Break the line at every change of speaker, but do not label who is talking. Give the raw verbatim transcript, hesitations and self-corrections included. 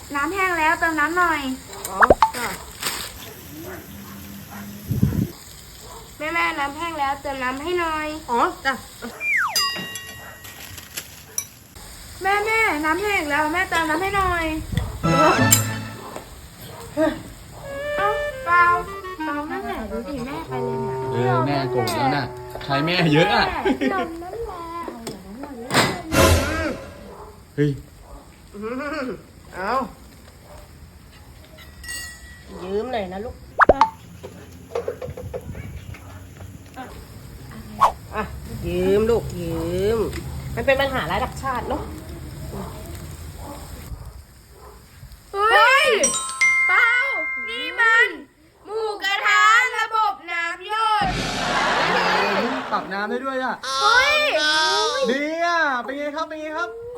น้ำแห้งแล้วเติมน้ำหน่อย
อ๋อจ้ะ
แม่แม่น้ำแห้งแล้วเติมน้ำให้หน่อย
อ๋อจ้ะ
แม่แม่น้ำแห้งแล้วแม่เติมน้ำให้หน่อยเอ้าเปล่าเปล่านั่นแหละดูดิแม่ไปเลยเนี่ย
เออแม่โกรธแล้วน่ะใครแม่เยอะอ่ะ
ลมนั่นแหละเอาอย่างนั้นหน่อยเลย
เฮ้ย
อืมเอายืมหน่อยนะลูกอ่ะยืมลูกยืมมันเป็นปัญหาระดับชาติเนาะ
เฮ้ยเปล่านี่มันหมูกระทะระบบน้ำหยด
ปรับน้ำได้ด้วยอ่ะ
เฮ้ย
ดีอ่ะเป็นไงครับเป็นไงครับ